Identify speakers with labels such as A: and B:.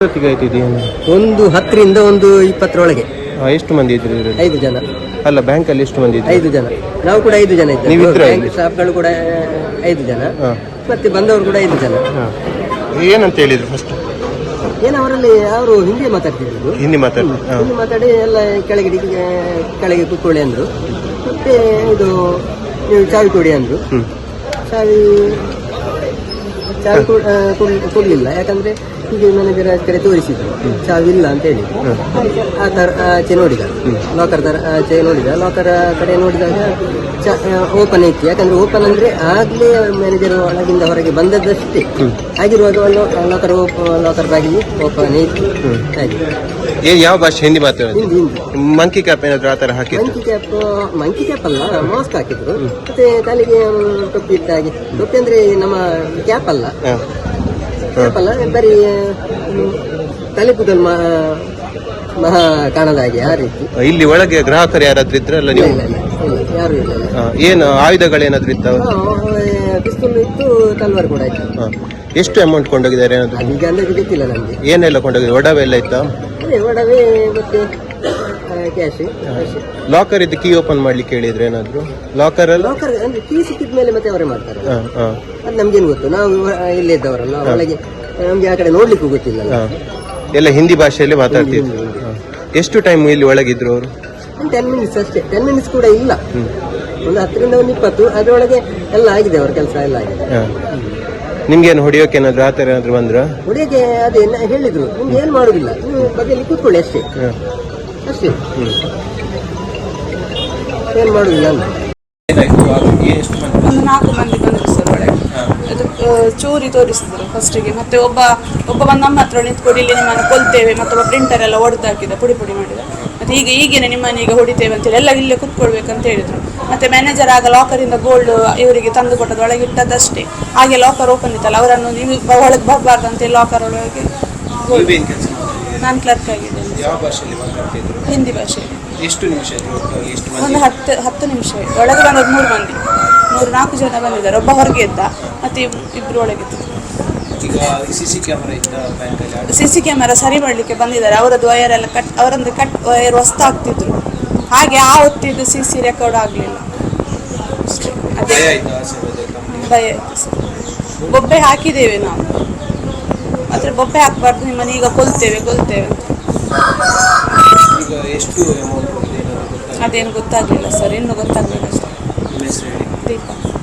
A: ಒಂದು 10ರಿಂದ ಒಂದು 20ರೊಳಗೆ.
B: ಎಷ್ಟು ಮಂದಿ ಇದ್ರು?
A: 5 ಜನ.
B: ಅಲ್ಲ, ಬ್ಯಾಂಕ್ ಅಲ್ಲಿ ಎಷ್ಟು ಮಂದಿ ಇದ್ರು?
A: 5 ಜನ. ನಾವು ಕೂಡ 5 ಜನ ಇದ್ದೇವೆ. ಬ್ಯಾಂಕ್ ಸ್ಟಾಫ್ಗಳು ಕೂಡ 5 ಜನ, ಮತ್ತೆ ಬಂದವರು ಕೂಡ 5 ಜನ.
B: ಏನಂತ ಹೇಳಿದ್ರು ಫಸ್ಟ್?
A: ಅವರಲ್ಲಿ ಅವರು ಹಿಂದಿ ಮಾತಾಡ್ತಿದ್ರು.
B: ಹಿಂದಿ
A: ಮಾತಾಡಿ ಎಲ್ಲ ಕೆಳಗೆ ಕೂತ್ಕೊಳ್ಳಿ ಅಂದ್ರು. ಮತ್ತೆ ಇದು ನೀವು ಚಾವಿ ಕೊಡಿ ಅಂದ್ರು. ಚಾವಿ ಕೊಡ್ಲಿಲ್ಲ, ಯಾಕಂದ್ರೆ ಹೀಗೆ ಮ್ಯಾನೇಜರ್ ಕಡೆ ತೋರಿಸಿದ್ರು ಚಾವಿಲ್ಲ ಅಂತ ಹೇಳಿ. ಆ ತರ ಆಚೆ ನೋಡಿದ, ಲಾಕರ್ ತರ ಆಚೆ ನೋಡಿದ. ಲಾಕರ್ ಕಡೆ ನೋಡಿದಾಗ ಓಪನ್ ಐತಿ. ಯಾಕಂದ್ರೆ ಓಪನ್ ಅಂದ್ರೆ ಆಗ್ಲೇ ಮ್ಯಾನೇಜರ್ ಒಳಗಿಂದ ಹೊರಗೆ ಬಂದದ್ದಷ್ಟೇ. ಆಗಿರುವಾಗ ಲಾಕರ್ ಬಾಗಿಲು ಓಪನ್ ಐತಿ.
B: ಯಾವ ಭಾಷೆ? ಹಿಂದಿ ಮಾತಾಡೋದು.
A: ಹಿಂದಿ.
B: ಮಂಕಿ ಕ್ಯಾಪ್ ಏನಾದ್ರು ಆ ತರ ಹಾಕಿ?
A: ಮಂಕಿ ಕ್ಯಾಪ್ ಅಲ್ಲ, ಮಾಸ್ಕ್ ಹಾಕಿದ್ರು. ಮತ್ತೆ ತಲೆಗೆ ಟೊಪ್ಪಿ ಇಟ್ಟ ಹಾಗೆ. ಟೊಪ್ಪಿ ಅಂದ್ರೆ ನಮ್ಮ ಕ್ಯಾಪ್ ಅಲ್ಲ, ಬರೀ ತಲೆ ಕೂದಲು ಮಹಾ ಕಾಣದ ಹಾಗೆ ಆ ರೀತಿ.
B: ಇಲ್ಲಿ ಒಳಗೆ ಗ್ರಾಹಕರು ಯಾರಾದ್ರೂ ಇದ್ರಲ್ಲ? ನೀವು
A: ಯಾರು ಇಲ್ಲ.
B: ಏನು ಆಯುಧಗಳೇನಾದ್ರು ಇದ್ದಾವ?
A: ಪಿಸ್ತೂಲ್ ಇತ್ತು, ತಲ್ವಾರ್ ಕೂಡ ಇತ್ತು.
B: ಎಷ್ಟು ಅಮೌಂಟ್ ಕೊಂಡೋಗಿದ್ದಾರೆ ಏನಾದ್ರು?
A: ಈಗ ಅಂದ್ರೆ ಗೊತ್ತಿಲ್ಲ ನಮ್ಗೆ.
B: ಏನೆಲ್ಲ ಕೊಂಡೋಗಿದ್ದಾರೆ? ಒಡವೆ ಎಲ್ಲ ಇತ್ತಾ?
A: ಒಡವೆ ಮತ್ತೆ ಕ್ಯಾಶ್.
B: ಲಾಕರ್ ಇದ್ದು ಕೀ ಓಪನ್ ಮಾಡ್ಲಿಕ್ಕೆ ಹೇಳಿದ್ರೆ ಏನಾದ್ರು? ಲಾಕರ್
A: ಅಂದ್ರೆ ಕೀ ಸಿಕ್ಕಿದ ಮೇಲೆ ಮತ್ತೆ ಅವರೇ ಮಾಡ್ತಾರೆ. ಅದು ನಮ್ಗೇನು ಗೊತ್ತು, ನಾವು ಇಲ್ಲೇ ಇದ್ದವರಲ್ಲ, ಒಳಗೆ ನಮ್ಗೆ ಆ ಕಡೆ ನೋಡ್ಲಿಕ್ಕೂ ಗೊತ್ತಿಲ್ಲ.
B: ಎಲ್ಲ ಹಿಂದಿ ಭಾಷೆಯಲ್ಲಿ ಮಾತಾಡ್ತಿದ್ರು. ಎಷ್ಟು ಟೈಮ್ ಇಲ್ಲಿ ಒಳಗಿದ್ರು ಅವರು?
A: 10 ಮಿನಿಟ್ಸ್ ಅಷ್ಟೇ. 10 ಮಿನಿಟ್ಸ್ ಕೂಡ ಇಲ್ಲ, ಒಂದು 10ರಿಂದ ಒಂದು 20. ಅದರೊಳಗೆ ಎಲ್ಲ ಆಗಿದೆ, ಅವರ ಕೆಲಸ ಎಲ್ಲ ಆಗಿದೆ.
B: ನಿಮ್ಗೇನು ಹೊಡಿಯೋಕೆ ಏನಾದ್ರು ಆತರ ಏನಾದ್ರು ಬಂದ್ರ?
A: ಹೊಡಿಯೋಕೆ ಅದೇ ಹೇಳಿದ್ರು, ನಿಮ್ಗೆ ಏನ್ ಮಾಡುದಿಲ್ಲ, ನೀವು ಬದಿಯಲ್ಲಿ ಕೂತ್ಕೊಳ್ಳಿ ಅಷ್ಟೇ ಅಷ್ಟೇ, ಏನ್ ಮಾಡುದಿಲ್ಲ ಅಂತ.
C: ಒಂದು 4 ಮಂದಿ ಬಂದರು ಸರ್ ಒಳಗೆ. ಅದು ಚೂರಿ ತೋರಿಸಿದ್ರು ಫಸ್ಟಿಗೆ. ಮತ್ತೆ ಒಬ್ಬ ಬಂದು ನಮ್ಮ ಹತ್ರ ನಿಂತ್ಕೊಂಡು ಇಲ್ಲಿ ನಿಮ್ಮನ್ನು ಕೊಲ್ತೇವೆ, ಮತ್ತೊಬ್ಬ ಪ್ರಿಂಟರ್ ಎಲ್ಲ ಹೊಡೆದು ಹಾಕಿದ, ಪುಡಿ ಮಾಡಿದ. ಮತ್ತೆ ಈಗೇನೆ ನಿಮ್ಮನ್ನ ಈಗ ಹೊಡಿತೇವೆ ಅಂತೇಳಿ ಎಲ್ಲ ಇಲ್ಲೇ ಕುತ್ಕೊಳ್ಬೇಕಂತ ಹೇಳಿದ್ರು. ಮತ್ತೆ ಮ್ಯಾನೇಜರ್ ಆಗ ಲಾಕರಿಂದ ಗೋಲ್ಡ್ ಇವರಿಗೆ ತಂದು ಕೊಟ್ಟದ್ದು, ಒಳಗೆ ಇಟ್ಟದಷ್ಟೇ. ಹಾಗೆ ಲಾಕರ್ ಓಪನ್ ಇತ್ತಲ್ಲ, ಅವರನ್ನು ನೀವು ಒಳಗೆ ಬರಬಾರ್ದು ಅಂತೇಳಿ ಲಾಕರ್ ಒಳಗೆ. ನಾನು ಕ್ಲರ್ಕ್ ಆಗಿದ್ದೇನೆ. ಹಿಂದಿ ಭಾಷೆಯಲ್ಲಿ.
B: ಎಷ್ಟು ನಿಮಿಷ?
C: ಒಂದು 10 ನಿಮಿಷ. ಒಳಗೆ ಬಂದದ್ದು 3 ಮಂದಿ, 4 ಜನ ಬಂದಿದ್ದಾರೆ. ಒಬ್ಬ ಹೊರಗೆ ಇದ್ದ, ಮತ್ತೆ 2 ಒಳಗೆ ಇದ್ದರು. ಸಿಸಿ ಕ್ಯಾಮೆರಾ ಸರಿ ಮಾಡಲಿಕ್ಕೆ ಬಂದಿದ್ದಾರೆ. ಅವರದ್ದು ವಯರ್ ಎಲ್ಲ ಅವರೊಂದು ವಯರ್ ಹೊಸ್ತು ಆಗ್ತಿದ್ರು. ಹಾಗೆ ಆ ಹೊತ್ತಿದ್ದು ಸಿಸಿ ರೆಕಾರ್ಡ್ ಆಗಲಿಲ್ಲ. ಅದೇ ಭಯ ಆಯ್ತು ಸರ್. ಬೊಬ್ಬೆ ಹಾಕಿದ್ದೇವೆ ನಾವು, ಆದರೆ ಬೊಬ್ಬೆ ಹಾಕಬಾರ್ದು, ನಿಮ್ಮನ್ನು ಈಗ ಕೊಲ್ತೇವೆ ಅಂತ. ಅದೇನು ಗೊತ್ತಾಗಲಿಲ್ಲ ಸರ್, ಇನ್ನು ಗೊತ್ತಾಗಬೇಕಷ್ಟೇ. ದೀಪ.